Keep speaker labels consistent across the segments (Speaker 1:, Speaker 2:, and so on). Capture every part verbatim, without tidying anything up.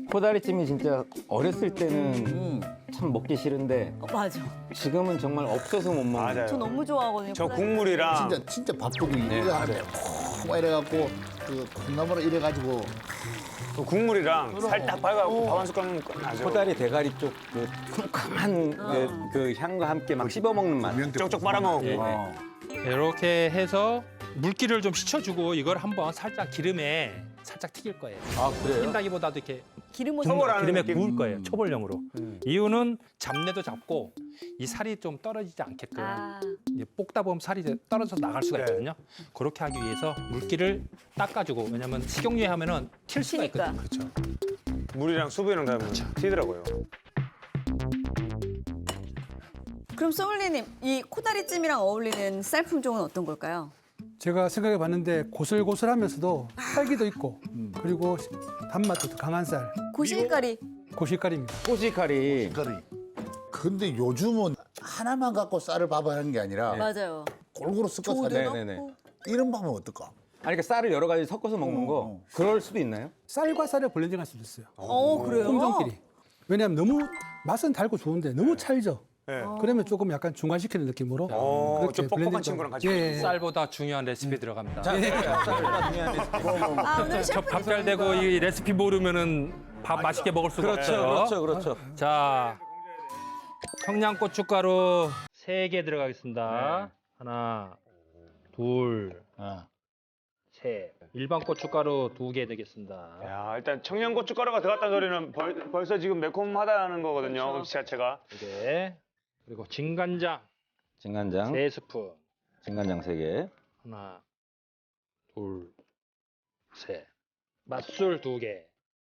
Speaker 1: 코다리찜이 진짜 어렸을 때는
Speaker 2: 음.
Speaker 1: 참 먹기 싫은데
Speaker 3: 어, 맞아.
Speaker 1: 지금은 정말 없어서 못 먹는.
Speaker 4: 맞아요.
Speaker 3: 저 너무 좋아하거든요.
Speaker 4: 저
Speaker 3: 코다리.
Speaker 4: 국물이랑
Speaker 2: 진짜 진짜 바쁘게 이거 하는데 막 이래갖고 그 콩나물을 이래가지고
Speaker 4: 그 국물이랑 살짝 발가고 밥 한 숟갈 먹으면 끝나죠.
Speaker 1: 코다리 대가리 쪽 그 쿰쿰한 그, 그 향과 함께 막 씹어 먹는 맛.
Speaker 4: 쪽쪽 빨아먹고.
Speaker 1: 예, 예.
Speaker 2: 어.
Speaker 5: 이렇게 해서 물기를 좀 씻어주고 이걸 한번 살짝 기름에 살짝 튀길 거예요.
Speaker 1: 아 그래요?
Speaker 5: 튀긴다기보다도 이렇게
Speaker 3: 기름을
Speaker 4: 초벌하는
Speaker 5: 기름에
Speaker 4: 느낌?
Speaker 5: 구울 거예요. 초벌용으로. 이유는 잡내도 잡고 이 살이 좀 떨어지지 않게끔
Speaker 3: 아,
Speaker 5: 이제 볶다 보면 살이 이제 떨어져서 나갈 수가
Speaker 4: 네.
Speaker 5: 있거든요. 그렇게 하기 위해서 물기를 닦아주고 왜냐면 식용유에 하면은 튈 수가
Speaker 3: 튀니까.
Speaker 5: 있거든요. 그렇죠.
Speaker 4: 물이랑 수분이랑 다 튀더라고요.
Speaker 3: 그럼 소믈리님, 이 코다리찜이랑 어울리는 쌀 품종은 어떤 걸까요?
Speaker 6: 제가 생각해 봤는데 고슬고슬하면서도 딸기도 있고 그리고 단맛도 더 강한 쌀
Speaker 3: 고실가리.
Speaker 6: 고실가리입니다.
Speaker 1: 꼬시카리.
Speaker 2: 그러니. 근데 요즘은 하나만 갖고 쌀을 밥하는 게 아니라
Speaker 3: 맞아요.
Speaker 2: 골고루 섞어서
Speaker 3: 조도
Speaker 2: 하잖아.
Speaker 1: 네네네.
Speaker 3: 넣고.
Speaker 2: 이런 방법은 어떨까?
Speaker 1: 아니 그러니까 쌀을 여러 가지 섞어서 먹는 거 그럴 수도 있나요?
Speaker 6: 쌀과 쌀을 블렌딩할 수도 있어요.
Speaker 3: 어, 그래요?
Speaker 6: 품종끼리. 왜냐하면 너무 맛은 달고 좋은데 너무 찰져.
Speaker 4: 네.
Speaker 6: 그러면 조금 약간 중화시키는 느낌으로
Speaker 4: 어,
Speaker 6: 그렇게
Speaker 4: 좀 뻑뻑한
Speaker 6: 블렌딩
Speaker 4: 친구랑 같이
Speaker 6: 예, 예.
Speaker 5: 쌀보다 중요한 레시피 들어갑니다.
Speaker 1: 쌀보다 중요한 레시피.
Speaker 3: 아, 오늘
Speaker 5: 저
Speaker 3: 셰프
Speaker 5: 밥 잘 되고 이 레시피 모르면은 밥 맛있게 먹을 수가
Speaker 1: 그렇죠,
Speaker 5: 없어요.
Speaker 1: 그렇죠, 그렇죠.
Speaker 5: 자, 청양고춧가루 세 개 들어가겠습니다. 하나, 둘, 셋. 일반 고춧가루 두 개 되겠습니다.
Speaker 4: 야, 일단 청양고춧가루가 들어갔다는 소리는 벌, 벌써 지금 매콤하다는 거거든요. 음식 자체가.
Speaker 5: 두 개. 그리고 진간장
Speaker 1: 진간장,
Speaker 5: 세 스푼.
Speaker 1: 진간장 세 개.
Speaker 5: 하나, 둘, 셋. 맛술 두 개.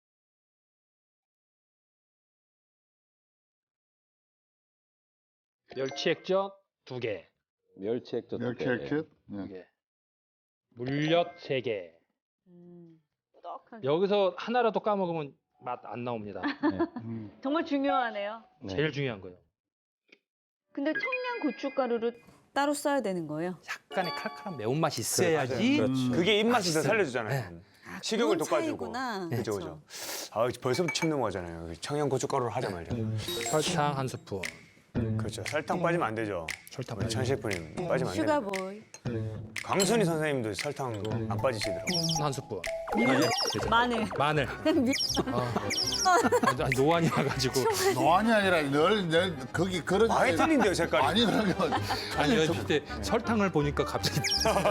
Speaker 5: 멸치 액젓 두 개.
Speaker 1: 멸치 액젓 두
Speaker 2: 이렇게
Speaker 1: 개.
Speaker 2: 이렇게.
Speaker 5: 두 개. 물엿 세 개.
Speaker 3: 음, 꾸덕한.
Speaker 5: 여기서 하나라도 까먹으면 맛 안 나옵니다.
Speaker 3: 정말 중요하네요.
Speaker 1: 네.
Speaker 5: 제일 중요한 거예요.
Speaker 3: 근데 청양 고춧가루를 따로 써야 되는 거예요?
Speaker 5: 약간의 칼칼한 매운맛이 있어야지.
Speaker 1: 그렇죠.
Speaker 4: 그게 입맛을 더
Speaker 5: 맛있어요.
Speaker 4: 살려주잖아요.
Speaker 3: 아,
Speaker 4: 식욕을
Speaker 3: 그런
Speaker 4: 돋궈주고.
Speaker 3: 차이구나.
Speaker 4: 그죠, 그죠. 아, 벌써 침 넘어가잖아요. 청양고춧가루를 하자마자.
Speaker 5: 설탕 한 스푼.
Speaker 4: 그렇죠. 설탕 빠지면 안 되죠.
Speaker 5: 설탕
Speaker 4: 우리 천 셰프님 빠지면 안 돼요.
Speaker 3: 슈가보이.
Speaker 4: 강순희 선생님도 설탕 안 빠지시더라고요.
Speaker 5: 한 스푼.
Speaker 3: 마늘.
Speaker 5: 마늘.
Speaker 3: 미...
Speaker 5: 아, 아니, 노안이 와가지고.
Speaker 2: 노안이 아니라 늘, 늘 거기 그런.
Speaker 4: 아예 틀린데요, 색깔이.
Speaker 2: 아니 그러면
Speaker 5: 아니 그때 설탕을 보니까 갑자기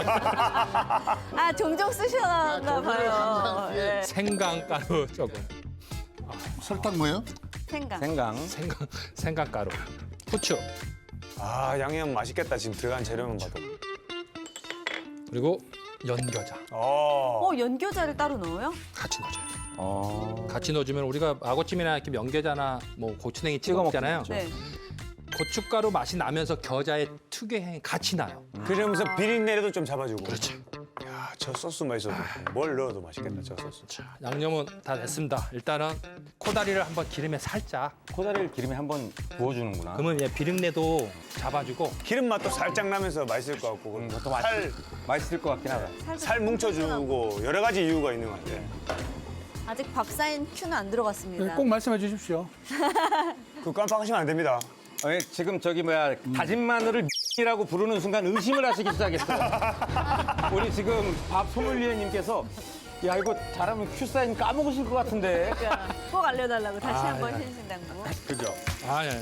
Speaker 3: 아, 종종 쓰셔나
Speaker 2: 아, 종종
Speaker 3: 봐요.
Speaker 2: 항상, 예.
Speaker 3: 예.
Speaker 5: 생강가루 조금.
Speaker 2: 설탕 뭐예요?
Speaker 3: 생강.
Speaker 1: 생강.
Speaker 5: 생강 생강가루. 후추.
Speaker 4: 아, 양념 맛있겠다. 지금 들어간 재료만 봐도.
Speaker 5: 그리고 연겨자.
Speaker 4: 어.
Speaker 3: 어, 연겨자를 따로 넣어요?
Speaker 5: 같이 넣어줘요.
Speaker 1: 어.
Speaker 5: 같이 넣어주면 우리가 아구찜이나 이렇게 연겨자나 뭐 고추냉이 찍어
Speaker 1: 찍어
Speaker 5: 먹잖아요.
Speaker 1: 먹죠.
Speaker 3: 네.
Speaker 5: 고춧가루 맛이 나면서 겨자의 특유의 향이 같이 나요.
Speaker 4: 그러면서 비린내도 좀 잡아주고. 그렇죠. 야, 저 소스만 있어도 뭘 넣어도 맛있겠다, 저 소스.
Speaker 5: 자, 양념은 다 됐습니다. 일단은 코다리를 한번 기름에 살짝.
Speaker 1: 코다리를 기름에 한번 구워주는구나.
Speaker 5: 그러면 얘 비린내도 잡아주고
Speaker 4: 기름 맛도 살짝 나면서 맛있을 것 같고.
Speaker 1: 음,
Speaker 4: 그리고
Speaker 1: 그것도
Speaker 4: 살,
Speaker 1: 맛있, 맛있을 것 같긴 하다.
Speaker 3: 살짝
Speaker 4: 살 뭉쳐주고 여러 가지 이유가 있는 것 같아.
Speaker 3: 아직 밥 사인 큐는 안 들어갔습니다.
Speaker 6: 네, 꼭 말씀해 주십시오.
Speaker 4: 그거 깜빡하시면 안 됩니다.
Speaker 1: 어, 지금 저기 뭐야 다진 마늘을 이라고 부르는 순간 의심을 하시기 시작했어요. 우리 지금 밥 소믈리에님께서 야 이거 잘하면 큐 사인 까먹으실 것 같은데.
Speaker 3: 그러니까 꼭 알려달라고 다시
Speaker 5: 아,
Speaker 3: 한번
Speaker 5: 예.
Speaker 3: 신신당부.
Speaker 1: 그죠?
Speaker 5: 아, 예.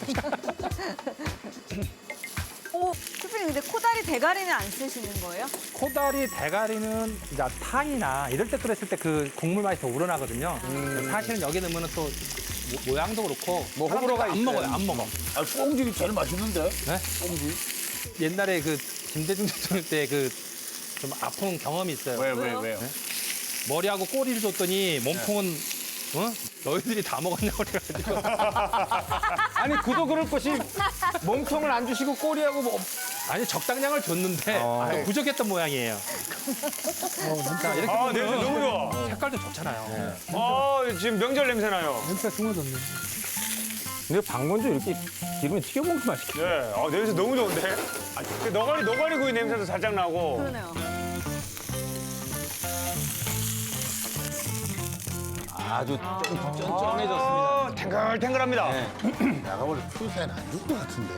Speaker 3: 오, 슈프님 근데 코다리 대가리는 안 쓰시는 거예요?
Speaker 5: 코다리 대가리는 이제 탕이나 이럴 때 끓였을 때 그 국물 맛이 더 우러나거든요. 사실은 여기 넣으면 또 모- 모양도 그렇고
Speaker 1: 뭐 호불호가
Speaker 5: 안
Speaker 1: 있어요.
Speaker 5: 먹어요, 안 먹어.
Speaker 2: 아, 꽁질이 제일 맛있는데?
Speaker 5: 네? 옛날에 그 김대중 대통령 때 그 좀 아픈 경험이 있어요.
Speaker 2: 왜,
Speaker 3: 왜요?
Speaker 2: 왜, 왜요?
Speaker 5: 머리하고 꼬리를 줬더니 몸통은 어? 너희들이 다 먹었냐고 그래가지고
Speaker 1: 아니 그도 그럴 것이 몸통을 안 주시고 꼬리하고 뭐
Speaker 5: 아니 적당량을 줬는데
Speaker 1: 어.
Speaker 5: 좀 부족했던 모양이에요. 자, 이렇게
Speaker 4: 아, 냄새
Speaker 5: 보면
Speaker 4: 너무 좋아.
Speaker 5: 색깔도 좋잖아요.
Speaker 4: 아, 지금 명절 냄새 나요.
Speaker 6: 냄새가 중화졌네.
Speaker 1: 근데 방건조 이렇게 기름에 튀겨 먹으면 맛있겠다.
Speaker 4: 네, 아, 냄새 너무 좋은데? 아, 그 너가리, 너가리 구이 냄새도 살짝 나고.
Speaker 3: 그러네요.
Speaker 1: 아주 쫀- 쫀쫀해졌습니다.
Speaker 4: 아, 탱글탱글합니다.
Speaker 1: 네.
Speaker 2: 내가 원래 큐사인 안 줄 것 같은데.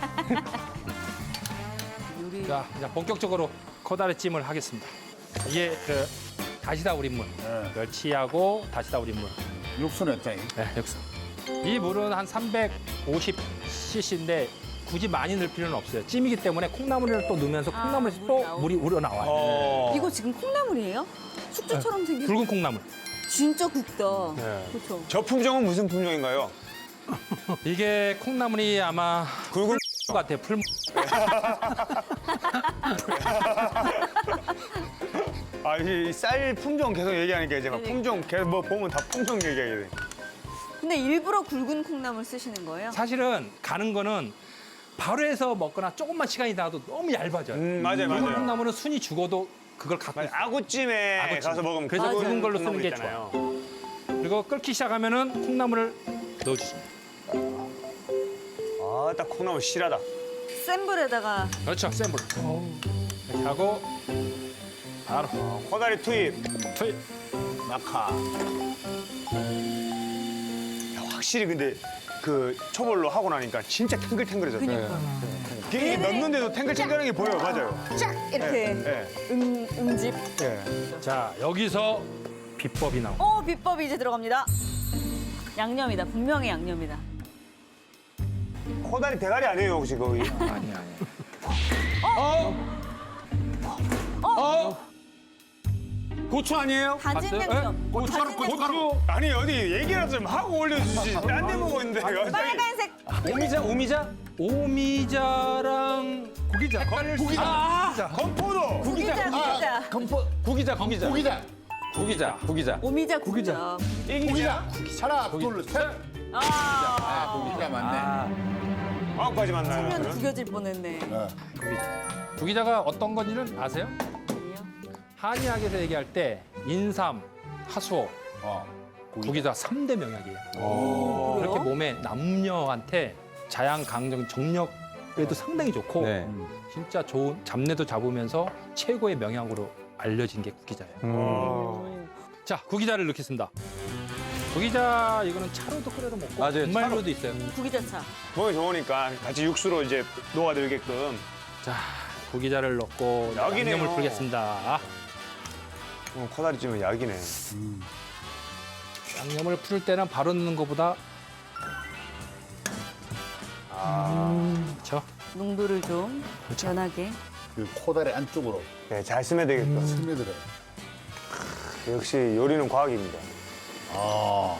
Speaker 3: 요리.
Speaker 5: 자, 이제 본격적으로 코다리찜을 하겠습니다. 이게 그 다시다 우린물, 멸치하고 다시다 우린물.
Speaker 2: 육수는 짜이.
Speaker 5: 네, 여기서. 이 물은 한 삼백오십 씨씨인데 굳이 많이 넣을 필요는 없어요. 찜이기 때문에 콩나물을 또 넣으면서
Speaker 3: 아,
Speaker 5: 콩나물에서
Speaker 3: 물이
Speaker 5: 또
Speaker 3: 나오고.
Speaker 5: 물이 우러나와요.
Speaker 4: 어.
Speaker 3: 이거 지금 콩나물이에요? 숙주처럼 생긴.
Speaker 5: 붉은 콩나물.
Speaker 3: 진짜 굵다.
Speaker 4: 네.
Speaker 3: 그렇죠.
Speaker 4: 저 품종은 무슨 품종인가요?
Speaker 5: 이게 콩나물이 아마
Speaker 4: 굵은
Speaker 5: 풀 같아요. 풀.
Speaker 4: 아, 이 쌀 품종 계속 얘기하니까 이제 막
Speaker 3: 그러니까.
Speaker 4: 품종 계속 뭐 보면 다 품종 얘기하게 돼.
Speaker 3: 근데 일부러 굵은 콩나물 쓰시는 거예요?
Speaker 5: 사실은 가는 거는 바로 해서 먹거나 조금만 시간이 나도 너무 얇아져요.
Speaker 4: 음, 맞아요,
Speaker 5: 굵은
Speaker 4: 맞아요.
Speaker 5: 콩나물은 순이 죽어도 그걸 갖고
Speaker 4: 맞아,
Speaker 5: 있어요.
Speaker 4: 아구찜에
Speaker 5: 아구찜.
Speaker 4: 가서 먹으면
Speaker 5: 그래서
Speaker 4: 굵은
Speaker 5: 굵은 걸로 쓰는
Speaker 4: 콩나물
Speaker 5: 게
Speaker 4: 있잖아요.
Speaker 5: 그리고 끓기 시작하면은 콩나물을 넣어주십니다.
Speaker 4: 아, 딱 콩나물 실하다.
Speaker 3: 센 불에다가
Speaker 5: 그렇죠, 센 불. 이렇게 하고 바로
Speaker 4: 코다리 투입.
Speaker 5: 투입.
Speaker 2: 낙하.
Speaker 4: 야, 확실히 근데 그 초벌로 하고 나니까 진짜 탱글탱글해졌어요.
Speaker 3: 그니까
Speaker 4: 이게 넣는데도 탱글탱글한 게 보여요. 맞아요.
Speaker 3: 쫙 이렇게
Speaker 4: 예.
Speaker 3: 음, 음집.
Speaker 4: 예.
Speaker 5: 자, 여기서 비법이 나옵니다.
Speaker 3: 어 비법이 이제 들어갑니다. 양념이다. 분명히 양념이다.
Speaker 4: 코다리 대가리 아니에요, 혹시 거기?
Speaker 5: 아니, 아니.
Speaker 1: 고추 아니에요?
Speaker 3: 다진
Speaker 5: 봤어요?
Speaker 3: 양념.
Speaker 1: 고춧가루,
Speaker 3: 다진 양념.
Speaker 1: 고춧가루.
Speaker 4: 아니 어디 얘기라도 좀 하고 올려주지. 딴 데 보고 있는데 갑자기.
Speaker 3: 빨간색.
Speaker 1: 오미자, 오미자?
Speaker 5: 오미자랑 고기자. 고기자.
Speaker 1: 아,
Speaker 4: 건포도.
Speaker 3: 구기자 구기자.
Speaker 2: 건포.
Speaker 1: 구기자, 구기자.
Speaker 2: 고기자.
Speaker 1: 구기자, 구기자.
Speaker 3: 오미자 구기자.
Speaker 4: 이기자.
Speaker 2: 하나, 둘, 셋.
Speaker 3: 아.
Speaker 2: 아, 고기자 맞네.
Speaker 4: 아홉 가지 맞나요?
Speaker 3: 면 구겨질 뻔했네.
Speaker 2: 어.
Speaker 5: 고기자가 어떤 건지는 아세요? 한의학에서 얘기할 때 인삼, 하수오,
Speaker 2: 어.
Speaker 5: 고기자 삼 대 명약이에요. 이렇게 몸에 남녀한테 자양, 강정, 정력에도 상당히 좋고
Speaker 1: 네.
Speaker 5: 진짜 좋은 잡내도 잡으면서 최고의 명약으로 알려진 게 구기자예요.
Speaker 4: 어.
Speaker 5: 자, 구기자를 넣겠습니다. 구기자 이거는 차로도 끓여도 먹고
Speaker 1: 맞아요,
Speaker 5: 분말로도 있어요.
Speaker 3: 구기자차.
Speaker 4: 몸에 좋으니까 같이 육수로 이제 녹아들게끔.
Speaker 5: 자, 구기자를 넣고
Speaker 4: 약이네요.
Speaker 5: 양념을 풀겠습니다.
Speaker 4: 어, 코다리찜은 약이네.
Speaker 5: 양념을 풀 때는 바로 넣는 것보다 그렇죠.
Speaker 3: 농도를 좀 연하게.
Speaker 2: 그 코다리 안쪽으로
Speaker 4: 네, 잘 쓰면 되겠다.
Speaker 2: 스며들어.
Speaker 4: 역시 요리는 과학입니다.
Speaker 2: 아.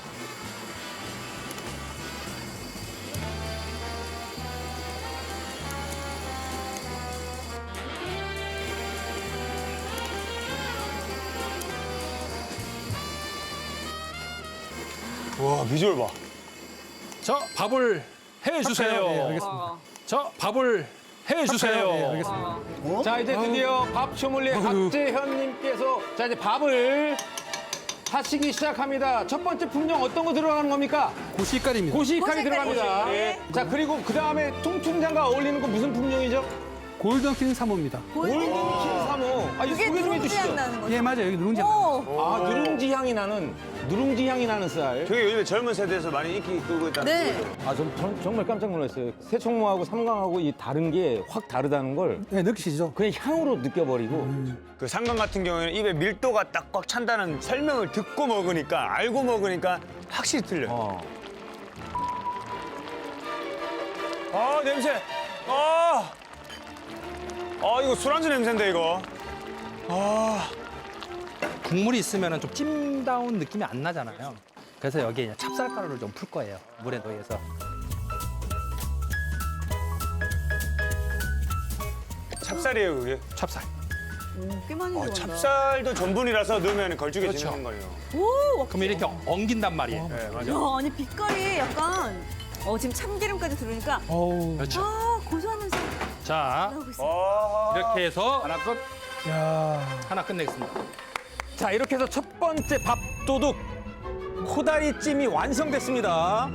Speaker 4: 와, 비주얼 봐.
Speaker 5: 저 밥을 해주세요.
Speaker 6: 네, 알겠습니다.
Speaker 3: 어.
Speaker 5: 저 밥을 해주세요.
Speaker 6: 네, 알겠습니다.
Speaker 2: 어?
Speaker 1: 자, 이제 드디어 밥 소믈리에 박재현님께서 자, 이제 밥을 하시기 시작합니다. 첫 번째 품종 어떤 거 들어가는 겁니까?
Speaker 6: 고시깔입니다.
Speaker 1: 고시칼이
Speaker 3: 고시칼이.
Speaker 1: 들어갑니다.
Speaker 3: 네.
Speaker 1: 자, 그리고 그 다음에 통충장과 어울리는 거 무슨 품종이죠?
Speaker 6: 골든킹 사모입니다.
Speaker 1: 골든 킹 사모. 아, 이거
Speaker 3: 그게
Speaker 1: 소개 좀
Speaker 3: 누룽지 향
Speaker 1: 해주시죠.
Speaker 3: 나는 거죠?
Speaker 6: 예, 맞아요. 여기 누룽지.
Speaker 3: 오.
Speaker 1: 아, 누룽지 향이 나는, 누룽지 향이 나는 쌀.
Speaker 4: 저게 요즘에 젊은 세대에서 많이 인기 끌고 있다는
Speaker 3: 네.
Speaker 4: 거죠.
Speaker 1: 아, 전, 전 정말 깜짝 놀랐어요. 새총무하고 삼강하고 이 다른 게 확 다르다는 걸
Speaker 6: 네, 느끼시죠?
Speaker 1: 그냥 향으로 느껴버리고.
Speaker 4: 그 상관 같은 경우에는 입에 밀도가 딱 꽉 찬다는 설명을 듣고 먹으니까 알고 먹으니까 확실히 틀려요.
Speaker 1: 어.
Speaker 4: 아, 냄새. 아. 아, 이거 술안주 냄새인데 이거. 아.
Speaker 5: 국물이 있으면 좀 찜다운 느낌이 안 나잖아요. 그래서 여기에 그냥 찹쌀가루를 좀 풀 거예요. 물에 넣어서.
Speaker 4: 찹쌀이에요, 그게.
Speaker 5: 찹쌀.
Speaker 3: 오, 꽤 많이
Speaker 4: 아,
Speaker 3: 들어간다.
Speaker 4: 찹쌀도 전분이라서 넣으면 걸쭉해지는
Speaker 5: 그렇죠.
Speaker 4: 거예요.
Speaker 3: 오,
Speaker 5: 그럼 이렇게 엉긴단 말이에요.
Speaker 4: 네, 맞아.
Speaker 3: 야, 아니 빛깔이 약간 어 지금 참기름까지 들어오니까
Speaker 6: 어우.
Speaker 5: 그렇죠.
Speaker 3: 아 고소한 냄새
Speaker 5: 자,
Speaker 3: 나오고 있어.
Speaker 4: 아.
Speaker 5: 이렇게 해서
Speaker 1: 하나 끝.
Speaker 6: 야.
Speaker 5: 하나 끝내겠습니다.
Speaker 1: 자, 이렇게 해서 첫 번째 밥도둑 코다리찜이 완성됐습니다.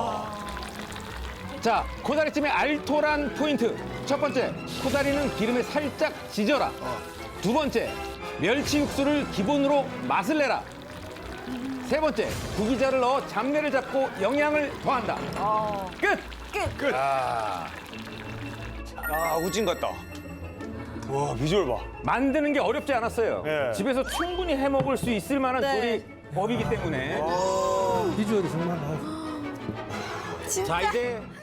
Speaker 1: 자, 코다리찜의 알토란 포인트. 첫 번째, 코다리는 기름에 살짝 지져라. 두 번째, 멸치 육수를 기본으로 맛을 내라. 세 번째, 구기자를 넣어 잡내를 잡고 영양을 더한다.
Speaker 3: 어.
Speaker 1: 끝!
Speaker 3: 끝.
Speaker 4: 아, 우진 같다. 와, 비주얼 봐.
Speaker 1: 만드는 게 어렵지 않았어요.
Speaker 4: 예.
Speaker 1: 집에서 충분히 해 먹을 수 있을 만한
Speaker 3: 네.
Speaker 1: 조리 법이기 때문에.
Speaker 6: 비주얼이 정말 아우.
Speaker 3: 진짜.
Speaker 1: 자, 이제